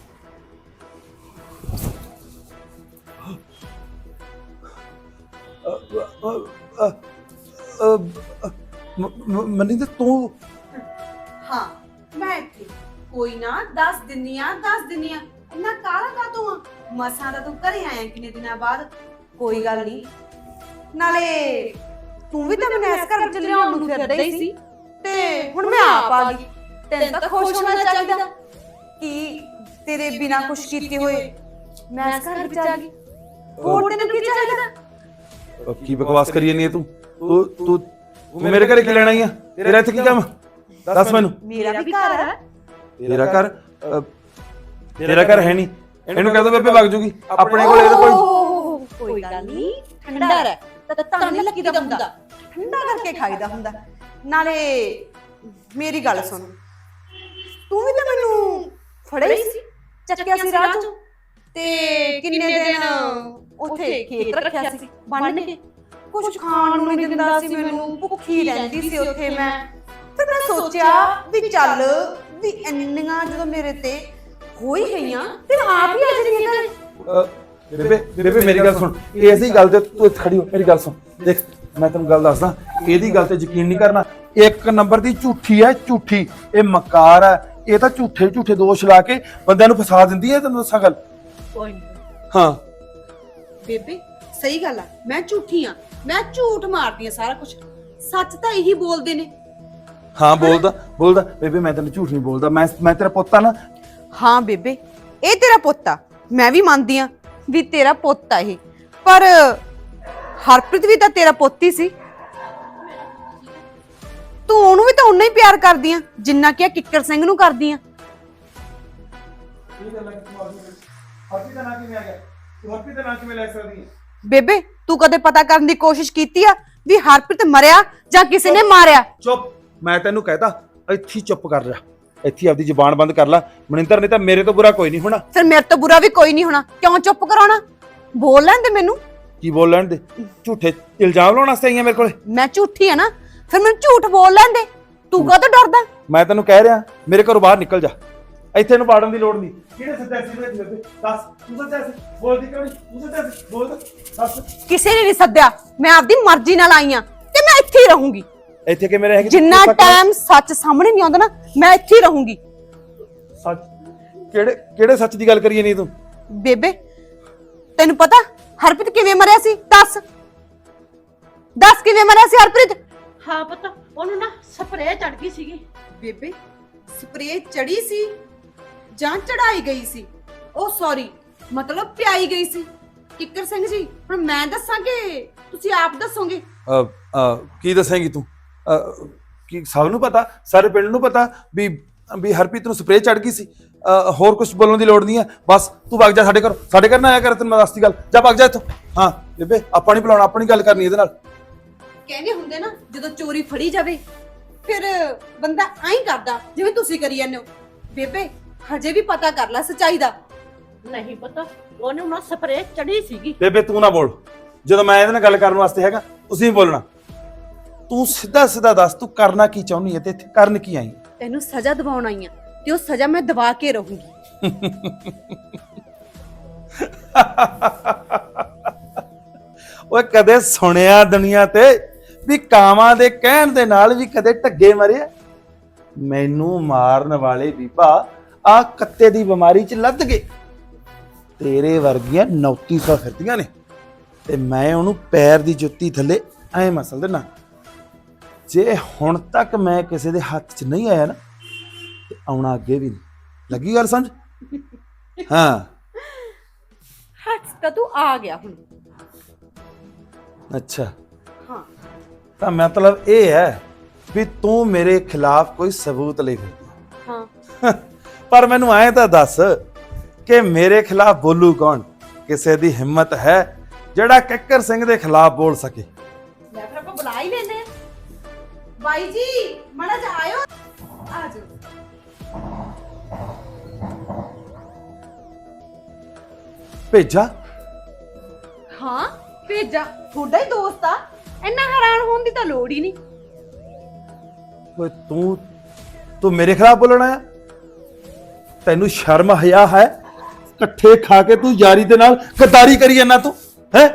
[SPEAKER 7] ਮਨਿੰਦਰ ਤੂੰ?
[SPEAKER 2] ਹਾਂ ਮੈਂ ਇੱਥੇ ਕੋਈ ਨਾ, ਦੱਸ ਦਿੰਨੀ ਆ ਇੰਨਾ ਕਾਲਾ ਕਾ ਤੂੰ? ਮਸਾਂ ਦਾ ਤੂੰ ਘਰੇ ਆਇਆ ਕਿੰਨੇ ਦਿਨਾਂ ਬਾਅਦ। ਕੋਈ ਗੱਲ ਨਹੀਂ, ਨਾਲੇ ਤੂੰ ਵੀ ਤਾਂ ਮੈਨੂੰ ਇਸ ਘਰ ਚ ਲਿਆਉਣ ਨੂੰ ਫਿਰਦਾ ਹੀ ਸੀ ਤੇ ਹੁਣ ਮੈਂ ਆਪ ਆ ਗਈ। ਤੈਨੂੰ ਤਾਂ ਖੁਸ਼ ਹੋਣਾ ਚਾਹੀਦਾ ਕਿ ਤੇਰੇ ਬਿਨਾ ਕੁਛ ਕੀਤੇ ਹੋਏ ਮੈਂ ਇਸ ਘਰ ਵਿੱਚ ਆ ਗਈ। ਹੋਰ ਤੈਨੂੰ ਕੀ ਚਾਹੀਦਾ?
[SPEAKER 7] ਕੀ ਬਕਵਾਸ ਕਰੀ ਜਾਂਦੀ ਹੈ ਤੂੰ? ਤੂੰ ਮੇਰੇ ਘਰੇ ਕੀ ਲੈਣਾ ਹੀ ਆ? ਤੇਰਾ ਇੱਥੇ ਕੀ ਕੰਮ? ਦੱਸ ਮੈਨੂੰ।
[SPEAKER 2] ਮੇਰਾ ਵੀ ਘਰ ਹੈ।
[SPEAKER 7] ਤੇਰਾ ਘਰ? ਤੇਰਾ ਘਰ ਹੈ ਨਹੀਂ। ਇਹਨੂੰ ਕਹਿ ਦੋ ਬੇਬੇ ਵਗ ਜੂਗੀ ਆਪਣੇ ਕੋਲ। ਇਹਦਾ
[SPEAKER 2] ਕੋਈ ਗੱਲ ਨਹੀਂ, ਠੰਡਾ ਰਹਿ ਤਾਂ ਤਾਂ ਨਹੀਂ ਲੱਗੀਦਾ ਹੁੰਦਾ, ਠੰਡਾ ਕਰਕੇ ਖਾਈਦਾ ਹੁੰਦਾ। ਨਾਲੇ ਮੇਰੀ ਗੱਲ ਸੁਣ, ਤੂੰ ਵੀ ਤਾਂ ਮੈਨੂੰ ਫੜਿਆ ਹੀ ਸੀ, ਚੱਕਿਆ ਸੀ ਰਾਹ ਚੋਂ ਤੇ ਕਿੰਨੇ ਦਿਨ ਉੱਥੇ ਖੇਤ ਰੱਖਿਆ ਸੀ ਬੰਨ ਕੇ। ਕੁਝ ਖਾਣ ਨੂੰ ਨਹੀਂ ਦਿੰਦਾ ਸੀ ਮੈਨੂੰ, ਭੁੱਖੀ ਰਹਿੰਦੀ ਸੀ ਉੱਥੇ ਮੈਂ। ਫਿਰ ਮੈਂ ਸੋਚਿਆ ਵੀ ਚੱਲ ਵੀ ਇੰਨੀਆਂ ਜਦੋਂ ਮੇਰੇ ਤੇ ਹੋ ਹੀ ਗਈਆਂ ਤੇ ਆਪ ਹੀ ਆ ਜਾਂਦੀਆਂ ਘਰੇ।
[SPEAKER 7] ਬੇਬੇ ਮੇਰੀ ਗੱਲ ਸੁਣ, ਇਸੇ ਗੱਲ ਤੇ ਤੂੰ ਇੱਥੇ ਖੜੀ ਹੋ। ਮੇਰੀ ਗੱਲ ਸੁਣ, ਦੇਖ ਮੈਂ ਤੈਨੂੰ ਗੱਲ ਦੱਸਦਾ, ਇਹਦੀ ਗੱਲ ਤੇ ਯਕੀਨ ਨਹੀਂ ਕਰਨਾ। ਇੱਕ ਨੰਬਰ ਦੀ ਝੂਠੀ ਹੈ, ਝੂਠੀ। ਇਹ ਮਕਾਰ ਹੈ, ਇਹ ਤਾਂ ਝੂਠੇ ਦੋਸ਼ ਲਾ ਕੇ ਬੰਦਿਆਂ ਨੂੰ ਫਸਾ ਦਿੰਦੀ ਹੈ। ਤੈਨੂੰ ਦੱਸਾਂ ਗੱਲ। ਹਾਂ
[SPEAKER 2] ਬੇਬੇ ਸਹੀ ਗੱਲ ਆ, ਮੈਂ ਝੂਠੀ ਆ, ਮੈਂ ਝੂਠ ਮਾਰਦੀ ਆ ਸਾਰਾ ਕੁਝ। ਸੱਚ ਤਾਂ ਇਹੀ ਬੋਲਦੇ ਨੇ।
[SPEAKER 7] ਹਾਂ ਬੋਲਦਾ ਬੇਬੇ, ਮੈਂ ਤੈਨੂੰ ਝੂਠ ਨਹੀਂ ਬੋਲਦਾ। ਮੈਂ ਤੇਰਾ ਪੁੱਤ ਆ ਨਾ।
[SPEAKER 5] ਹਾਂ ਬੇਬੇ, ਇਹ ਤੇਰਾ ਪੁੱਤ ਆ, ਮੈਂ ਵੀ ਮੰਨਦੀ ਆ ਵੀ ਤੇਰਾ ਪੁੱਤ ਆ ਇਹ, ਪਰ ਹਰਪ੍ਰੀਤ ਵੀ ਤਾਂ ਤੇਰਾ ਪੁੱਤ ਹੀ ਸੀ। ਤੂੰ ਉਹਨੂੰ ਵੀ ਤਾਂ ਉਨਾ ਹੀ ਪਿਆਰ ਕਰਦੀ ਆ ਜਿੰਨਾ ਕਿ ਕਿੱਕਰ ਸਿੰਘ ਨੂੰ ਕਰਦੀ ਆ।
[SPEAKER 7] ਹਰਪ੍ਰੀਤ ਦਾ ਨਾਂ ਕਿਵੇਂ ਆ ਗਿਆ? ਤੂੰ ਹਰਪ੍ਰੀਤ ਦਾ ਨਾਂ ਕਿਵੇਂ ਲੈ ਸਕਦੀ ਹੈ?
[SPEAKER 5] ਬੇਬੇ ਤੂੰ ਕਦੇ ਪਤਾ ਕਰਨ ਦੀ ਕੋਸ਼ਿਸ਼ ਕੀਤੀ ਆ ਵੀ ਹਰਪ੍ਰੀਤ ਮਰਿਆ ਜਾਂ ਕਿਸੇ ਨੇ ਮਾਰਿਆ?
[SPEAKER 7] ਚੁੱਪ, ਮੈਂ ਤੈਨੂੰ ਕਹਿਤਾ ਇੱਥੇ ਹੀ ਚੁੱਪ ਕਰ ਜਾ, ਇੱਥੇ ਹੀ ਆਪਦੀ ਜ਼ੁਬਾਨ ਬੰਦ ਕਰ ਲੈ। ਮਨਿੰਦਰ ਨੇ ਤਾਂ ਮੇਰੇ ਤੋਂ ਬੁਰਾ ਕੋਈ ਨਹੀਂ ਹੋਣਾ।
[SPEAKER 5] ਫਿਰ ਮੇਰੇ ਤੋਂ ਬੁਰਾ ਵੀ ਕੋਈ ਨਹੀਂ ਹੋਣਾ, ਕਿਉਂ ਚੁੱਪ ਕਰਾਉਣਾ? ਬੋਲ ਲੈਣ ਦੇ ਮੈਨੂੰ।
[SPEAKER 7] ਕੀ ਬੋਲ ਲੈਣ ਦੇ? ਝੂਠੇ ਇਲਜ਼ਾਮ ਲਾਉਣ ਵਾਸਤੇ ਆਈਆਂ ਮੇਰੇ ਕੋਲੇ?
[SPEAKER 5] ਮੈਂ ਝੂਠੀ ਆ ਨਾ, ਫਿਰ ਮੈਨੂੰ ਝੂਠ ਬੋਲ ਲੈਣ ਦੇ। ਤੂੰ ਕਾਹਤੋਂ ਡਰਦਾ?
[SPEAKER 7] ਮੈਂ ਤੈਨੂੰ ਕਹਿ ਰਿਹਾ ਮੇਰੇ ਘਰੋਂ ਬਾਹਰ ਨਿਕਲ ਜਾ, ਇੱਥੇ ਇਹਨੂੰ ਪਾੜਨ ਦੀ ਲੋੜ ਨਹੀਂ। ਕਿਹੜੇ ਸੱਚਾ ਸੀ ਮੇਰੇ ਤੇ? ਦੱਸ, ਤੂੰ ਸੱਚਾ ਸੀ? ਬੋਲਦੀ ਕਿਉਂ ਨਹੀਂ? ਤੂੰ ਸੱਚਾ ਸੀ? ਬੋਲ ਦੱਸ।
[SPEAKER 5] ਕਿਸੇ ਨੇ ਨਹੀਂ ਸੱਦਿਆ, ਮੈਂ ਆਪਦੀ ਮਰਜ਼ੀ ਨਾਲ ਆਈ ਆ ਤੇ ਮੈਂ ਇੱਥੇ ਹੀ ਰਹੂੰਗੀ।
[SPEAKER 7] ਇੱਥੇ ਕਿਵੇਂ ਰਹੇਗੀ?
[SPEAKER 5] ਜਿੰਨਾ ਟਾਈਮ ਸੱਚ ਸਾਹਮਣੇ ਨਹੀਂ ਆਉਂਦਾ ਨਾ, ਮੈਂ ਇੱਥੇ ਹੀ ਰਹੂੰਗੀ।
[SPEAKER 7] ਸੱਚ? ਕਿਹੜੇ ਸੱਚ ਦੀ ਗੱਲ ਕਰੀਏ ਨਹੀਂ ਤੂੰ?
[SPEAKER 5] ਬੇਬੇ ਤੈਨੂੰ ਪਤਾ ਹਰਪ੍ਰੀਤ ਕਿਵੇਂ ਮਰਿਆ ਸੀ? ਦੱਸ ਕਿਵੇਂ ਮਰਿਆ ਸੀ ਹਰਪ੍ਰੀਤ?
[SPEAKER 8] ਹਾਂ ਪਤਾ, ਉਹਨੂੰ ਨਾ ਸਪਰੇਅ ਚੜ ਗਈ ਸੀਗੀ।
[SPEAKER 5] ਬੇਬੇ ਸਪਰੇਅ ਚੜੀ ਸੀ ਜਾਂ ਚੜਾਈ ਗਈ ਸੀ? ਉਹ ਸੌਰੀ, ਮਤਲਬ ਪਿਆਈ ਗਈ ਸੀ। ਕਿੱਕਰ ਸਿੰਘ ਜੀ, ਹੁਣ ਮੈਂ ਦੱਸਾਂ ਕਿ ਤੁਸੀਂ ਆਪ ਦੱਸੋਗੇ?
[SPEAKER 7] ਕੀ ਦੱਸੇਂਗੀ ਤੂੰ? ਕੀ ਸਭ ਨੂੰ ਪਤਾ, ਸਾਰੇ ਪਿੰਡ ਨੂੰ ਪਤਾ ਵੀ ਹਰਪ੍ਰੀਤ ਨੂੰ ਸਪਰੇਅ ਚੜ ਗਈ ਸੀ। ਹੋਰ ਕੁਝ ਬੋਲਣ ਦੀ ਲੋੜ ਨਹੀਂ ਹੈ, ਬਸ ਤੂੰ ਵਗ ਜਾ ਸਾਡੇ ਘਰ ਨਾ ਆਇਆ ਕਰ, ਤੈਨੂੰ ਮੈਂ ਦੱਸਦੀ ਗੱਲ। ਜਾ ਵਗ ਜਾ ਇੱਥੋਂ। ਹਾਂ ਬੇਬੇ, ਆਪਾਂ ਨਹੀਂ ਬੁਲਾਉਣਾ, ਆਪਣੀ ਗੱਲ ਕਰਨੀ ਇਹਦੇ ਨਾਲ।
[SPEAKER 5] ਕਹਿੰਦੇ ਹੁੰਦੇ ਨਾ, ਜਦੋਂ ਚੋਰੀ ਫੜੀ ਜਾਵੇ ਫਿਰ ਬੰਦਾ ਐਂ ਕਰਦਾ ਜਿਵੇਂ ਤੁਸੀਂ ਕਰੀ ਜਾਂਦੇ ਹੋ। ਬੇਬੇ ਹਜੇ ਵੀ ਪਤਾ ਕਰ ਲੈ ਸੱਚਾਈ ਦਾ।
[SPEAKER 8] ਨਹੀਂ ਪਤਾ, ਉਹਨੂੰ ਨਾ ਸਪਰੇਅ ਚੜੀ ਸੀਗੀ।
[SPEAKER 7] ਬੇਬੇ ਤੂੰ ਨਾ ਬੋਲ, ਜਦੋਂ ਮੈਂ ਇਹਦੇ ਨਾਲ ਗੱਲ ਕਰਨ ਵਾਸਤੇ ਹੈਗਾ ਤੁਸੀਂ ਬੋਲਣਾ। ਤੂੰ ਸਿੱਧਾ ਦੱਸ, ਤੂੰ ਕਰਨਾ ਕੀ ਚਾਹੁੰਦੀ ਹੈ ਤੇ ਇੱਥੇ ਕਰਨ ਕੀ ਆਈ?
[SPEAKER 5] ਤੈਨੂੰ ਸਜ਼ਾ ਦਿਵਾਉਣ ਆਈ ਆ ਤੇ ਉਹ ਸਜ਼ਾ ਮੈਂ ਦਵਾ ਕੇ ਰਹੂੰਗੀ। ਓਏ
[SPEAKER 7] ਕਦੇ ਸੁਣਿਆ ਦੁਨੀਆ ਤੇ ਵੀ ਕਾਵਾਂ ਦੇ ਕਹਿਣ ਦੇ ਨਾਲ ਵੀ ਕਦੇ ਢੱਗੇ ਮਰਿਆ? ਮੈਨੂੰ ਮਾਰਨ ਵਾਲੇ ਬੀਬਾ ਆ ਕੱਤੇ ਦੀ ਬਿਮਾਰੀ 'ਚ ਲੱਦ ਗਏ। ਤੇਰੇ ਵਰਗੀਆਂ 3900 ਫਿਰਦੀਆਂ ਨੇ ਤੇ ਮੈਂ ਉਹਨੂੰ ਪੈਰ ਦੀ ਜੁੱਤੀ ਥੱਲੇ ਐ ਮਸਲ ਦੇਣਾ। ਜੇ ਹੁਣ ਤੱਕ ਮੈਂ ਕਿਸੇ ਦੇ ਹੱਥ 'ਚ ਨਹੀਂ ਆਇਆ ਨਾ ਤੇ ਆਉਣਾ ਅੱਗੇ ਵੀ ਨਹੀਂ। ਲੱਗੀ ਗੱਲ ਸਮਝ? ਹਾਂ
[SPEAKER 5] ਹੱਥ ਤਾਂ ਤੂੰ ਆ ਗਿਆ ਹੁਣ।
[SPEAKER 7] ਅੱਛਾ,
[SPEAKER 5] ਹਾਂ
[SPEAKER 7] ਤਾਂ ਮਤਲਬ ਇਹ ਹੈ ਵੀ ਤੂੰ ਮੇਰੇ ਖਿਲਾਫ ਕੋਈ ਸਬੂਤ ਲੈ ਫਿਰਦੀ।
[SPEAKER 5] ਹਾਂ
[SPEAKER 7] ਪਰ ਮੈਨੂੰ ਐਂ ਤਾਂ ਦੱਸ ਕਿ ਮੇਰੇ ਖਿਲਾਫ ਬੋਲੂ ਕੌਣ? ਕਿਸੇ ਦੀ ਹਿੰਮਤ ਹੈ ਜਿਹੜਾ ਕਿੱਕਰ ਸਿੰਘ ਦੇ ਖਿਲਾਫ ਬੋਲ ਸਕੇ?
[SPEAKER 5] ਲੈ ਫਿਰ ਆਪਾਂ ਬੁਲਾ ਹੀ ਲੈਨੇ ਆ। ਬਾਈ ਜੀ ਮਾੜਾ ਜਿਹਾ ਆਇਓ, ਆ ਜਾਓ।
[SPEAKER 7] ਭੇਜਾ?
[SPEAKER 5] ਹਾਂ ਭੇਜਾ, ਤੁਹਾਡਾ ਹੀ ਦੋਸਤ ਆ, ਇੰਨਾ ਹੈਰਾਨ ਹੋਣ ਦੀ ਤਾਂ ਲੋੜ ਹੀ ਨਹੀਂ।
[SPEAKER 7] ਓਏ ਤੂੰ ਮੇਰੇ ਖਿਲਾਫ ਬੋਲਣਾ ਆ? ਤੈਨੂੰ ਸ਼ਰਮ ਹਯਾ ਹੈ? ਇਕੱਠੇ ਖਾ ਕੇ ਤੂੰ ਯਾਰੀ ਦੇ ਨਾਲ ਗਦਾਰੀ ਕਰੀ ਜਾਂਦਾ ਤੂੰ ਹੈ?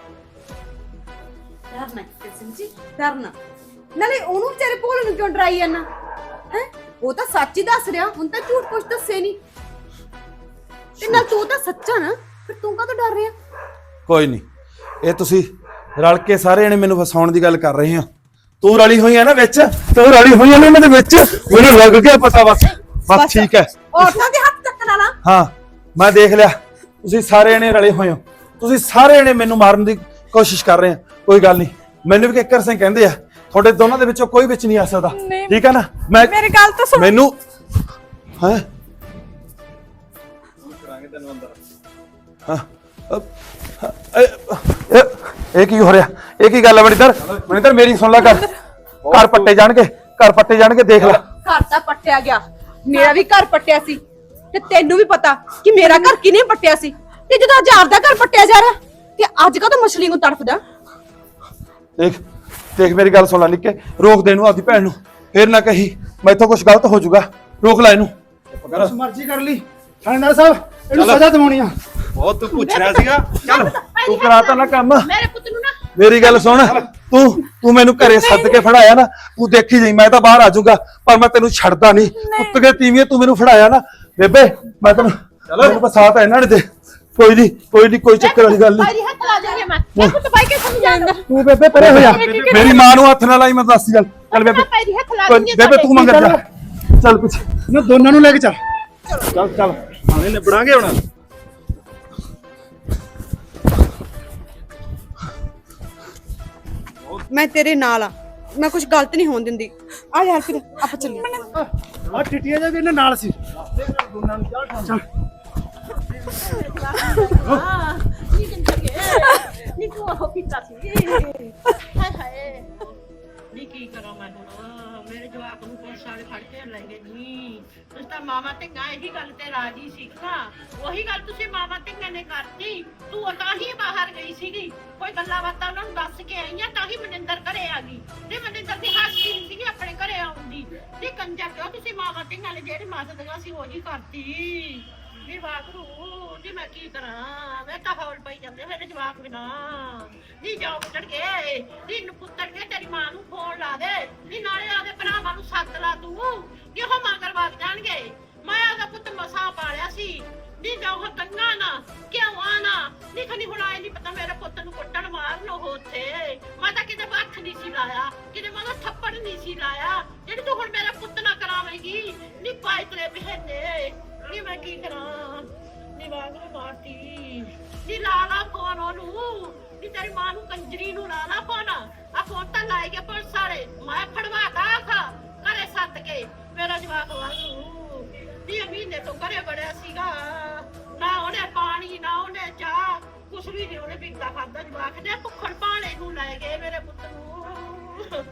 [SPEAKER 5] ਡਰਨਾ ਕਿੱਕਰ ਸਿੰਘ ਜੀ, ਡਰਨਾ। ਨਾਲੇ ਉਹਨੂੰ ਵਿਚਾਰੇ ਭੋਲੇ ਨੂੰ ਕਿਉਂ ਡਰਾਈ ਜਾਂਦਾ ਹੈ? ਉਹ ਤਾਂ ਸੱਚ ਹੀ ਦੱਸ ਰਿਹਾ, ਹੁਣ ਤਾਂ ਝੂਠ ਕੁਛ ਦੱਸੇ ਨਹੀਂ। ਤੇ ਨਾਲ ਤੂੰ ਤਾਂ ਸੱਚਾ ਨਾ, ਫਿਰ ਤੂੰ ਕਾਹਤੋਂ ਡਰ ਰਿਹਾ?
[SPEAKER 7] ਕੋਈ ਨਹੀਂ, ਇਹ ਤੁਸੀਂ ਰਲ ਕੇ ਸਾਰੇ ਜਣੇ ਮੈਨੂੰ ਫਸਾਉਣ ਦੀ ਗੱਲ ਕਰ ਰਹੇ ਹੋ। ਤੂੰ ਰਲੀ ਹੋਈ ਆ ਨਾ ਵਿੱਚ, ਤੂੰ ਰਲੀ ਹੋਈ ਆ ਨਾ ਇਹਨਾਂ ਦੇ ਵਿੱਚ, ਮੈਨੂੰ ਲੱਗ ਗਿਆ ਪਤਾ। ਬਸ ਠੀਕ ਹੈ।
[SPEAKER 5] ਔਰਤਾਂ ਦੇ ਹੱਥ ਚੱਕਣ ਵਾਲਾ।
[SPEAKER 7] ਹਾਂ ਮੈਂ ਦੇਖ ਲਿਆ, ਤੁਸੀਂ ਸਾਰੇ ਜਣੇ ਰਲੇ ਹੋਏ ਹੋ, ਤੁਸੀਂ ਸਾਰੇ ਜਣੇ ਮੈਨੂੰ ਮਾਰਨ ਦੀ ਕੋਸ਼ਿਸ਼ ਕਰ ਰਹੇ ਹੋ। ਕੋਈ ਗੱਲ ਨਹੀਂ, ਮੈਨੂੰ ਵੀ ਕਿੱਕਰ ਸਿੰਘ ਕਹਿੰਦੇ ਆ, ਤੁਹਾਡੇ ਦੋਨਾਂ ਦੇ ਵਿੱਚੋਂ ਕੋਈ ਵਿੱਚ ਨਹੀਂ ਆ ਸਕਦਾ, ਠੀਕ ਹੈ ਨਾ? ਮੈਂ
[SPEAKER 5] ਮੇਰੀ ਗੱਲ ਤਾਂ ਸੁਣ।
[SPEAKER 7] ਮੈਨੂੰ ਹੈ ਇਹ ਕੀ ਹੋ ਰਿਹਾ? ਇਹ ਕੀ ਗੱਲ ਹੈ ਮਨਿੰਦਰ? ਮੇਰੀ ਸੁਣ ਲੈ, ਘਰ ਪੱਟੇ ਜਾਣਗੇ, ਦੇਖ ਲੈ।
[SPEAKER 5] ਘਰ ਤਾਂ ਪੱਟਿਆ ਗਿਆ, ਮੇਰਾ ਵੀ ਘਰ ਪੱਟਿਆ ਸੀ ਤੇ ਤੈਨੂੰ ਵੀ ਪਤਾ ਕਿ ਮੇਰਾ ਘਰ ਕਿਹਨੇ ਪੱਟਿਆ ਸੀ। ਤੇ ਜਦੋਂ ਅੱਜ ਆਪਦਾ ਘਰ ਪੱਟਿਆ ਜਾ ਰਿਹਾ ਤੇ ਅੱਜ ਕਾ ਤਾਂ ਮਛਲੀ ਨੂੰ ਤੜਫਦਾ।
[SPEAKER 7] ਦੇਖ ਮੇਰੀ ਗੱਲ ਸੁਣ ਲੈ ਨਿੱਕੇ, ਰੋਕ ਦੇ ਇਹਨੂੰ ਆਪਦੀ ਭੈਣ ਨੂੰ, ਫੇਰ ਨਾ ਕਹੀ ਮੈਥੋਂ ਕੁਝ ਗਲਤ ਹੋ ਜਾਊਗਾ। ਰੋਕ ਲੈ ਇਹਨੂੰ।
[SPEAKER 6] ਬਸ ਮਰਜ਼ੀ ਕਰ ਲਈ ਥਾਣੇਦਾਰ ਸਾਹਿਬ, ਇਹਨੂੰ ਸਜ਼ਾ ਦਿਵਾਉਣੀ ਆ।
[SPEAKER 7] ਬਹੁਤ ਤੂੰ ਪੁੱਛ ਰਿਹਾ ਸੀਗਾ, ਚੱਲ ਤੂੰ ਕਰਾਤਾ ਨਾ ਕੰਮ।
[SPEAKER 8] ਮੇਰੇ ਪੁੱਤ ਨੂੰ ਨਾ
[SPEAKER 7] ਮੇਰੀ ਗੱਲ ਸੁਣ, ਤੂੰ ਮੈਨੂੰ ਘਰੇ ਸੱਦ ਕੇ ਫੜਾਇਆ ਨਾ, ਤੂੰ ਦੇਖੀ ਜਾਈ, ਮੈਂ ਤਾਂ ਬਾਹਰ ਆ ਜਾਊਗਾ ਪਰ ਮੈਂ ਤੈਨੂੰ ਛੱਡਦਾ ਨਹੀਂ। ਪੁੱਤ ਕੇ ਤੀਵੀਂ ਤੂੰ ਮੈਨੂੰ ਫੜਾਇਆ ਨਾ ਬੇਬੇ, ਮੈਂ ਤੈਨੂੰ ਬਸਾਤ ਇਹਨਾਂ ਨੇ ਦੇ। ਕੋਈ ਨਹੀਂ, ਕੋਈ ਚੱਕਰ ਵਾਲੀ ਗੱਲ
[SPEAKER 8] ਭਾਈ ਹੱਥ ਲਾ ਜਾਗੇ ਮੈਂ ਪੁੱਤ ਬਾਈ ਕੇ ਸਮਝਾਂਦਾ।
[SPEAKER 6] ਤੂੰ ਬੇਬੇ ਪਰੇ ਹੋ ਜਾ।
[SPEAKER 7] ਮੇਰੀ ਮਾਂ ਨੂੰ ਹੱਥ ਨਾ ਲਾਈ, ਮੈਂ ਦੱਸਦੀ ਗੱਲ। ਚੱਲ ਬੇਬੇ,
[SPEAKER 8] ਭਾਈ ਹੱਥ ਲਾ
[SPEAKER 7] ਬੇਬੇ ਤੂੰ ਮੰਗਰ ਜਾ, ਚੱਲ ਪਿੱਛੇ।
[SPEAKER 6] ਇਹਨਾਂ ਦੋਨਾਂ ਨੂੰ ਲੈ ਕੇ ਚੱਲ।
[SPEAKER 4] ਚੱਲ ਚੱਲ ਹਾਲੇ ਨਿਬੜਾਂਗੇ ਹੁਣ।
[SPEAKER 5] ਮੈਂ ਤੇਰੇ ਨਾਲ ਆ, ਮੈਂ ਕੁਝ ਗਲਤ ਨਹੀਂ ਹੋਣ ਦਿੰਦੀ। ਆ ਯਾਰ ਫਿਰ ਆਪਾਂ ਚੱਲੀਏ।
[SPEAKER 6] ਆ ਟਿੱਟੀਆਂ ਜਾ ਵੀ ਇਹਨਾਂ ਨਾਲ ਸੀ। ਚੱਲ
[SPEAKER 8] ਨੀ ਕਿੰਨਾ ਕੇ ਨੀ ਤੂੰ ਉਹ ਪੀਤਾ ਸੀ ਹਾਏ ਹਾਏ ਨੀ ਕੀ ਕਰਾਂ ਮੈਂ ਹੁਣ ਮੇਰੇ ਜਵਾਕ ਨੂੰ ਪੁਲਿਸ ਵਾਲੇ ਫੜ ਕੇ ਲੈ ਗਏ ਨੀ ਤੁਸੀਂ ਤਾਂ ਮਾਮਾ ਧੀਆਂ ਇਹੀ ਗੱਲ ਤੇ ਰਾਜੀ ਸੀਗਾ ਉਹੀ ਗੱਲ ਤੁਸੀਂ ਮਾਮਾ ਧੀਆਂ ਨੇ ਕਰਤੀ ਤੂੰ ਤਾਂ ਹੀ ਬਾਹਰ ਗਈ ਸੀਗੀ ਕੋਈ ਗੱਲਾਂ ਬਾਤਾਂ ਉਹਨਾਂ ਨੂੰ ਦੱਸ ਕੇ ਆਈਆਂ ਤਾਂ ਹੀ ਮਨਿੰਦਰ ਘਰੇ ਆ ਗਈ ਤੇ ਮਨਿੰਦਰ ਦੀ ਹਾਸੀ ਨਹੀਂ ਸੀਗੀ ਆਪਣੇ ਘਰੇ ਆਉਂਦੀ ਤੇ ਕੰਜਰ ਕਿਉਂ ਤੁਸੀਂ ਮਾਮਾ ਧੀਆਂ ਨੇ ਜਿਹੜੀ ਮਦਦਗਾ ਸੀ ਉਹੀ ਕਰਤੀ ਨੀ ਵਾਗਰੂ ਨੀ ਮੈਂ ਕੀ ਕਰਾਂ ਮੈਂ ਤਾਂ ਹੌਲ ਪਈ ਜਾਂਦੇ ਮੇਰੇ ਜਵਾਕ ਬਿਨਾ ਨੀ ਜਾਓ ਪੁੱਤਰ ਕੇ ਨੀ ਪੁੱਤਰ ਕੇ ਤੇਰੀ ਮਾਂ ਨੂੰ ਫੋਨ ਲਾ ਦੇ ਨੀ ਨਾਲੇ ਆਦੇ ਭਰਾਵਾਂ ਨੂੰ ਸੱਦ ਲਾ ਤੂੰ ਕਿਉਂ ਮਗਰ ਵੱਜ ਜਾਣਗੇ ਮੈਂ ਆਦਾ ਪੁੱਤ ਮਸਾਂ ਪਾਲਿਆ ਸੀ ਨੀ ਜਾਓ ਕੰਗਾ ਨਾ ਕਿਉਂ ਆਣਾ ਨੀ ਖਣੀ ਹੁਣ ਆਏ ਨਹੀਂ ਪਤਾ ਮੇਰੇ ਪੁੱਤ ਨੂੰ ਕੁੱਟਣ ਮਾਰਨ ਉਹ ਉੱਥੇ ਮੈਂ ਤਾਂ ਕਿਤੇ ਹੱਥ ਨਹੀਂ ਸੀ ਲਾਇਆ ਕਿਤੇ ਮੈਂ ਥੱਪੜ ਨਹੀਂ ਸੀ ਲਾਇਆ ਜਿਹੜੀ ਤੂੰ ਹੁਣ ਮੇਰੇ ਪੁੱਤ ਨਾਲ ਕਰਾਵੇਂਗੀ ਨੀ ਪਾਈ ਤੇਰੇ ਬਹਿਨੇ ਨੀ ਮੈਂ ਕੀ ਕਰਾਂ ਨੀ ਵਾਗਰੂ ਮਾਰਤੀ ਨੀ ਲਾਲਾ ਫੋਨ ਉਹਨੂੰ ਨੀ ਤੇਰੀ ਮਾਂ ਨੂੰ ਕੰਜਰੀ ਨੂੰ ਲਾਲਾ ਫੋਨ ਆ ਫੋਨ ਤਾਂ ਲਾਏ ਗਿਆ ਪੁਲਿਸ ਵਾਲੇ ਮੈਂ ਫੜਵਾਤਾ ਖਾ ਘਰੇ ਸੱਦ ਕੇ ਮੇਰਾ ਜਵਾਕ ਵਾਗਰੂ ਨੀ ਮਹੀਨੇ ਤੋਂ ਘਰੇ ਬੜਿਆ ਸੀਗਾ ਨਾ ਉਹਨੇ ਪਾਣੀ ਨਾ ਉਹਨੇ ਚਾਹ ਕੁਛ ਵੀ ਨਹੀਂ ਉਹਨੇ ਪੀਤਾ ਖਾਦਾ ਜਵਾਕ ਨੇ ਭੁੱਖੜ ਪਾਣੇ ਨੂੰ ਲੈ ਗਏ ਮੇਰੇ ਪੁੱਤ ਨੂੰ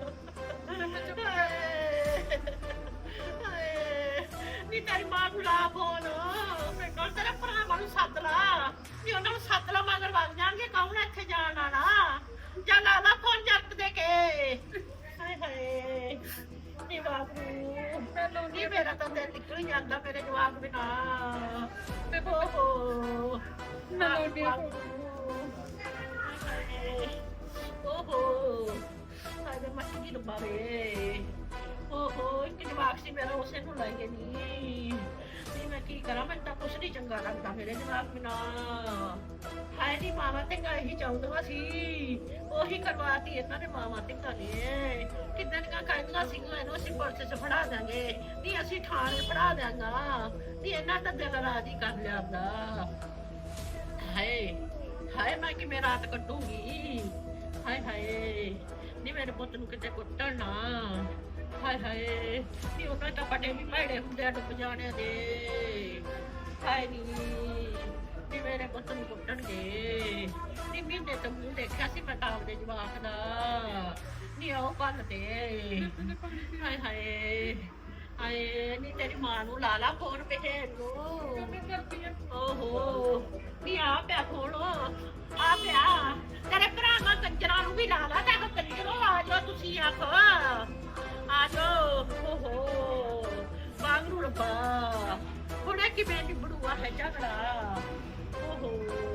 [SPEAKER 8] ਨੀ ਤੇਰੀ ਮਾਂ ਨੂੰ ਲਾ ਫੋਨ ਮੈਂ ਕੋਲ ਤੇਰੇ ਭਰਾਵਾਂ ਨੂੰ ਸੱਦ ਲਾ ਨੀ ਉਹਨਾਂ ਨੂੰ ਸੱਦ ਲਾ ਮਗਰ ਵਗ ਜਾਣਗੇ ਕੌਣ ਇੱਥੇ ਜਾਣ ਵਾਲਾ ਜਾ ਲਾ ਲਾ ਫੋਨ ਜੱਟ ਦੇ ਕੇ ਹਾਏ ਹਾਏ ਨੀ ਬਾਬੂ ਮੈਨੂੰ ਨੀ ਮੇਰਾ ਤਾਂ ਦਿਲ ਨਿਕਲ ਹੀ ਜਾਂਦਾ ਮੇਰੇ ਜਵਾਕ ਬਿਨਾ ਤੇ ਹੋ ਮੈਨੂੰ ਨੀ ਓਹੋ ਹਾਏ ਮੱਛੀ ਦੀ ਡੁੱਬਾਵੇ ਓਹੋ ਇੱਕ ਜਵਾਕ ਸੀ ਮੇਰਾ ਉਸੇ ਨੂੰ ਲੈ ਕੇ ਨਹੀਂ ਮੈਂ ਕੀ ਕਰਾਂ ਮੈਨੂੰ ਤਾਂ ਕੁਛ ਨਹੀਂ ਚੰਗਾ ਲੱਗਦਾ ਮੇਰੇ ਜਵਾਕ ਬਿਨਾ ਹਾਏ ਨੀ ਮਾਵਾ ਧੀਆਂ ਇਹੀ ਚਾਹੁੰਦਾ ਸੀ ਉਹੀ ਕਰਵਾਤੀ ਇਹਨਾਂ ਨੇ ਮਾਵਾ ਧੀਆਂ ਨੇ ਕਿੱਦਾਂ ਦੀਆਂ ਕਹਿੰਦੀਆਂ ਸੀਗੀਆਂ ਇਹਨੂੰ ਅਸੀਂ ਪੁਲਿਸ 'ਚ ਫੜਾ ਦਾਂਗੇ ਨਹੀਂ ਅਸੀਂ ਥਾਣੇ ਫੜਾ ਦਿਆਂਗਾ ਨਹੀਂ ਇਹਨਾਂ ਤਾਂ ਦਿਲ ਰਾਜੀ ਕਰ ਲਿਆਂਦਾ ਹਾਏ ਹਾਏ ਮੈਂ ਕਿਵੇਂ ਰਾਤ ਕੱਟੂਗੀ ਹਾਏ ਹਾਏ ਨੀ ਮੇਰੇ ਪੁੱਤ ਨੂੰ ਕਿਤੇ ਕੁੱਟਣ ਨਾ ਹਾਏ ਹਾਏ ਨੀ ਉਹਨਾਂ ਤਾਂ ਪਟੇ ਵੀ ਭੈੜੇ ਹੁੰਦੇ ਆ ਡੁੱਬ ਜਾਣਿਆਂ ਦੇ ਹਾਏ ਨੀ ਨੀ ਮੇਰੇ ਪੁੱਤ ਨੂੰ ਕੁੱਟਣਗੇ ਨੀ ਮਹੀਨੇ ਤੋਂ ਮੂੰਹ ਦੇਖਿਆ ਸੀ ਮੈਂ ਤਾਂ ਆਪਦੇ ਜਵਾਕ ਦਾ ਨੀ ਉਹ ਭੰਨ ਤੇ ਹਾਏ ਹਾਏ ਹਾਏ ਨੀ ਤੇਰੀ ਮਾਂ ਨੂੰ ਲਾ ਲਾ ਫੋਨ ਭੇਜ ਨੂੰ ਓਹੋ ਨੀ ਆ ਪਿਆ ਫੋਨ ਆ ਪਿਆ ਤੇਰੇ ਭਰਾਵਾਂ ਕੰਜਰਾਂ ਨੂੰ ਵੀ ਲਾ ਲਾ ਤੇ ਕੰਜਰੋ ਆ ਜਾਓ ਤੁਸੀਂ ਆਖੋ ਆ ਜਾਓ ਓਹੋ ਵਾਂਗਰੂ ਰੱਬਾ ਹੁਣੇ ਕਿਵੇਂ ਨਿਬੜੂਆ ਹੈ ਝਗੜਾ ਓਹੋ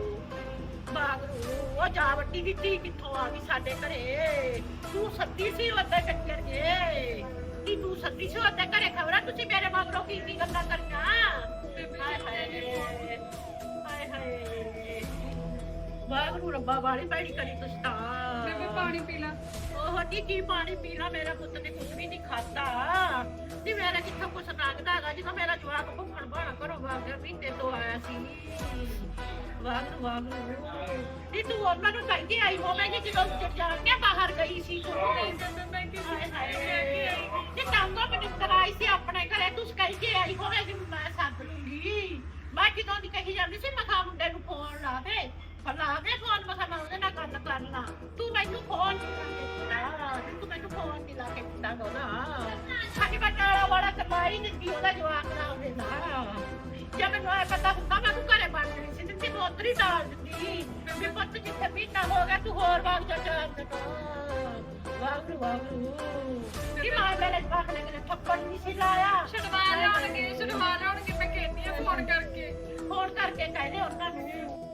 [SPEAKER 8] ਵਾਂਗਰੂ ਉਹ ਜਾ ਵੱਡੀ ਦੀ ਧੀ ਕਿੱਥੋਂ ਆ ਗਈ ਸਾਡੇ ਘਰੇ ਤੂੰ ਸੱਦੀ ਸੀ ਉਹਦੇ ਕੰਜਰ ਜੇ ਤੀ ਤੂੰ ਸੱਦੀ ਸੀ ਉਹਦੇ ਘਰੇ ਖਬਰਾਂ ਤੁਸੀਂ ਮੇਰੇ ਮਗਰੋਂ ਕੀ ਗੱਲਾਂ ਕਰਨਾ ਹਾਏ ਹਾਏ ਹਾਏ ਹਾਏ ਵਾਗਰੂ ਰੱਬਾ ਵਾਲੀ ਬੈੜੀ ਕਰੀ ਤੁਸੀਂ ਤਾਂ ਬੇਬੇ ਪਾਣੀ ਪੀ ਲਾ ਉਹ ਕੀ ਪਾਣੀ ਪੀ ਲਾ ਮੇਰਾ ਪੁੱਤ ਨੇ ਕੁਝ ਵੀ ਨਹੀਂ ਖਾਦਾ ਨੀ ਮੇਰਾ ਕਿੱਥੋਂ ਕੁਛ ਲੱਗਦਾ ਹੈਗਾ ਜਦੋਂ ਮੇਰਾ ਜਵਾਕ ਭੁੱਖਣ ਭਾਣਾ ਘਰੋਂ ਵਾਗਿਆ ਮਹੀਨੇ ਤੋਂ ਆਇਆ ਸੀ ਵਾਗਰੂ ਵਾਗਰੂ ਨੀ ਤੂੰ ਉਹਨਾਂ ਨੂੰ ਕਹਿੰਦੀ ਆਈ ਹੋਵੇਂਗੀ ਜਦੋਂ ਜਾਣ ਕੇ ਬਾਹਰ ਗਈ ਸੀ ਹਾਏ ਹਾਏ ਨੀ ਟਾਂਗੋ ਮਨਿੰਦਰ ਆਈ ਸੀ ਆਪਣੇ ਘਰੇ ਤੂੰ ਕਹਿੰਦੀ ਆਈ ਹੋਵੇਗੀ ਮੈਂ ਸੱਦ ਲੂੰਗੀ ਮੈਂ ਕਿਦੋਂ ਦੀ ਕਹੀ ਜਾਂਦੀ ਸੀ ਮਖਾ ਮੁੰਡੇ ਨੂੰ ਫੋਨ ਲਾ ਦੇ ਲਾ ਦੇ ਫੋਨ ਮਖਾ ਮੈਂ ਉਹਦੇ ਨਾਲ ਗੱਲ ਕਰ ਲਾ ਤੂੰ ਮੈਨੂੰ ਫੋਨ ਤੂੰ ਮੈਨੂੰ ਫੋਨ ਨਹੀਂ ਲਾ ਕੇ ਦਿੱਤਾ ਨਾ ਸਾਡੀ ਬਟਾਲਾ ਵਾਲਾ ਕਮਾਈ ਨਹੀਂ ਉਹਦਾ ਜਵਾਬ ਨਾ ਉਹਦੇ ਨਾਲ ਜੇ ਮੈਨੂੰ ਇਹ ਪਤਾ ਹੁੰਦਾ ਮੈਂ ਤੂੰ ਘਰੇ ਬਣ ਗਈ ਸੀ ਤੇ ਬੋਤਰੀ ਡਾਲ ਦਿੰਦੀ ਵੀ ਪੁੱਤ ਜਿੱਥੇ ਮਹੀਨਾ ਹੋ ਗਿਆ ਤੂੰ ਹੋਰ ਵਾਗ ਜਾ ਚਾਰ ਵਾਗਰੂ ਵਾਗਰੂ ਕੀ ਮਾਂ ਮੇਰੇ ਜਵਾਕ ਨੇ ਕਿਤੇ ਥੱਪੜ ਨਹੀਂ ਸੀ ਲਾਇਆ ਛਡਵਾ ਲਾਉਣਗੇ ਮੈਂ ਕਹਿੰਦੀ ਆ ਫੋਨ ਕਰਕੇ ਕਹਿੰਦੇ ਉਹਨਾਂ ਨੂੰ